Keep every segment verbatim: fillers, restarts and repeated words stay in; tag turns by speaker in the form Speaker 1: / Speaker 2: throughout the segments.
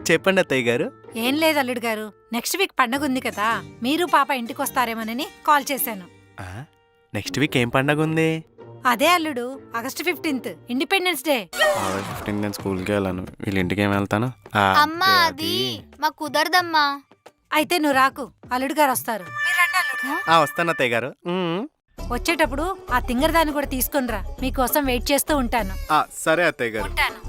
Speaker 1: చెప్పండి అత్తయ్య గారు.
Speaker 2: ఏం లేదు అల్లుడు గారు, నెక్స్ట్ వీక్ పండగ ఉంది కదా, మీరు పాప ఇంటికి వస్తారేమోనని కాల్ చేశాను.
Speaker 1: నెక్స్ట్ వీక్ ఏం పండగ ఉంది?
Speaker 2: అదే అల్లుడు, August fifteenth Independence Day.
Speaker 1: Fifteen నేను స్కూల్కి వెళ్ళాను, వీళ్ళ ఇంటికి ఏం వెళ్తాను.
Speaker 3: అమ్మా అది మా కుదరదమ్మా.
Speaker 2: అయితే నువ్వు రాకు, అల్లుడు గారు వస్తారు.
Speaker 1: వస్తాను అత్తయ్య గారు.
Speaker 2: వచ్చేటప్పుడు ఆ తింగర్ దాన్ని కూడా తీసుకునిరా, మీకోసం వెయిట్ చేస్తూ ఉంటాను.
Speaker 1: సరే అత్తయ్య గారు.
Speaker 2: ఉంటాను.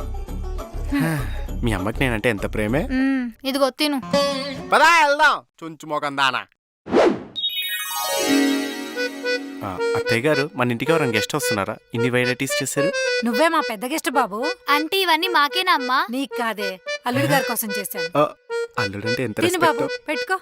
Speaker 1: మీ అమ్మకి నేనంటే ఎంత ప్రేమే.
Speaker 3: ఇదిగో తిను.
Speaker 1: పదా వెళ్దాం చుంచు మోకం దానా. అత్తయ్య గారు, మన ఇంటికి ఎవరైనా గెస్ట్ వస్తున్నారా? ఇన్ని వెరైటీస్ చేశారు.
Speaker 2: నువ్వే మా పెద్ద గెస్ట్ బాబు.
Speaker 3: అంటే ఇవన్నీ మాకేనా అమ్మా?
Speaker 2: నీకు కాదే, అల్లుడు గారి కోసం చేశాను.
Speaker 1: అల్లుడు అంటే ఎంత
Speaker 2: తిను బాబు, పెట్టుకో.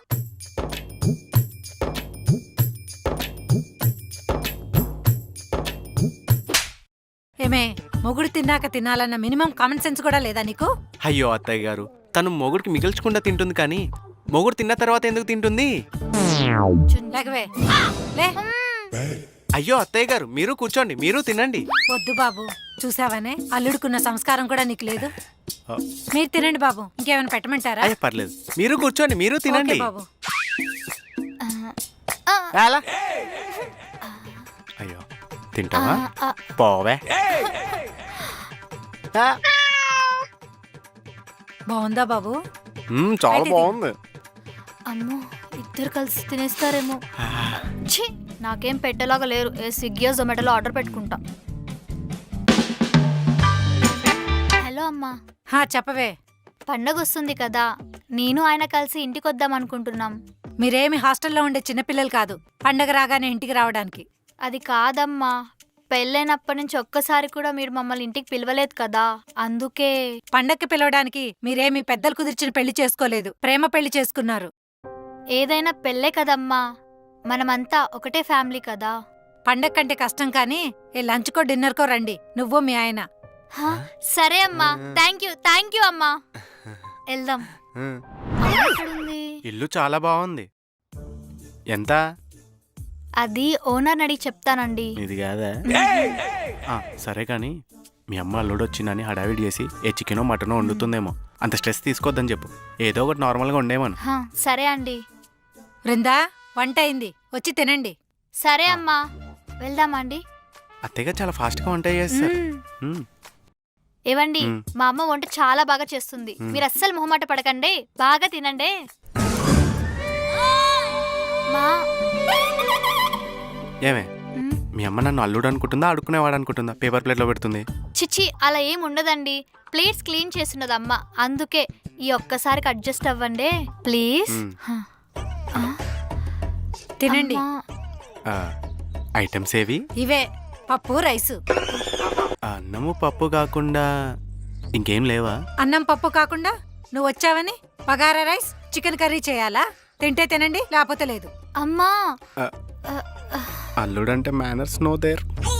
Speaker 2: ఏమే, మొగుడు తిన్నాక తినాలన్న మినిమం కామన్ సెన్స్ కూడా లేదా నీకు?
Speaker 1: అయ్యో అత్తయ్య గారు, తను మొగుడికి మిగిల్చకుండా తింటుంది కానీ మొగుడు తిన్న తర్వాత ఎందుకు తింటుంది?
Speaker 2: లేకవే లే.
Speaker 1: అయ్యో అత్తయ్య గారు, మీరు కూర్చోండి, మీరు తినండి.
Speaker 2: వద్దు బాబు, చూసావనే అల్లుడుకున్న సంస్కారం కూడా నీకు లేదు. మీరు తినండి బాబు, ఇంకేమైనా పెట్టమంటారా?
Speaker 1: అయ్యో పర్లేదు, మీరు కూర్చోండి, మీరు తినండి
Speaker 2: బాబు.
Speaker 1: అయ్యో తింటావా? పోవే.
Speaker 2: బాగుందా బాబు?
Speaker 1: చాలా బాగుంది.
Speaker 3: అమ్మో, ఇద్దరు కలిసి తినేస్తారేమో. ఛీ, నాకేం పెట్టేలాగా లేరు. ఏ స్విగ్గీ జొమాటోలో ఆర్డర్ పెట్టుకుంటా. హలో అమ్మా.
Speaker 2: హా చెప్పవే.
Speaker 3: పండగ వస్తుంది కదా, నేను ఆయన కలిసి ఇంటికి వద్దాం అనుకుంటున్నాం.
Speaker 2: మీరేమి హాస్టల్లో ఉండే చిన్నపిల్లలు కాదు, పండగ రాగానే ఇంటికి రావడానికి.
Speaker 3: అది కాదమ్మా, పెళ్ళైనప్పటి నుంచి ఒక్కసారి కూడా మీరు మమ్మల్ని ఇంటికి పిలవలేదు కదా, అందుకే.
Speaker 2: పండగకి పిలవడానికి మీరేమి పెద్దలు కుదిర్చిన పెళ్లి చేసుకోలేదు, ప్రేమ పెళ్లి చేసుకున్నారు.
Speaker 3: ఏదైనా పెళ్ళే కదమ్మా, మనమంతా ఒకటే ఫ్యామిలీ కదా.
Speaker 2: పండగ కంటే కష్టం కానీ ఏ లంచ్కో డిన్నర్కో రండి, నువ్వు మీ ఆయన.
Speaker 3: సరే అమ్మా, థ్యాంక్ యూ థ్యాంక్ యూ అమ్మా. వెళ్దాం.
Speaker 1: ఇల్లు చాలా బాగుంది. ఎంత?
Speaker 3: అది ఓనర్ అడిగి చెప్తానండి.
Speaker 1: ఇది కాదా? సరే కానీ మీ అమ్మ అల్లుడు వచ్చిందని హడావిడి చేసి ఏ చికెనో మటనో వండుతుందేమో, అంత స్ట్రెస్ తీసుకోవద్దని చెప్పు. ఏదో ఒకటి నార్మల్గా ఉండేమను.
Speaker 3: సరే అండి.
Speaker 2: బృందా, వంట అయింది, వచ్చి తినండి.
Speaker 3: సరే అమ్మా, వెళ్దామా అండి?
Speaker 1: అత్తయ్య చాలా ఫాస్ట్గా వంట చేస్తారు.
Speaker 3: ఏవండి, మా అమ్మ వంట చాలా బాగా చేస్తుంది, మీరు అస్సలు మొహమాట పడకండి, బాగా తినండి.
Speaker 1: ఏమే, మీ అమ్మ నన్ను అల్లుడు అనుకుంటుందా అడుక్కునేవాడు అనుకుంటుందా? పేపర్ ప్లేట్లో పెడుతుంది.
Speaker 3: చిచ్చి, అలా ఏం ఉండదండి, ప్లేట్స్ క్లీన్ చేస్తున్నది అమ్మ, అందుకే. ఈ ఒక్కసారికి అడ్జస్ట్ అవ్వండి ప్లీజ్.
Speaker 2: తినండి.
Speaker 1: ఐటమ్స్ ఏవి?
Speaker 2: ఇవే, పప్పు రైసు.
Speaker 1: అన్నము పప్పు కాకుండా ఇంకేం లేవా?
Speaker 2: అన్నం పప్పు కాకుండా నువ్వు వచ్చావని బగారా రైస్ చికెన్ కర్రీ చేయాలా? తింటే తినండి, లేకపోతే లేదు.
Speaker 3: అమ్మా,
Speaker 1: అల్లుడంటే మేనర్స్ నో దేర్.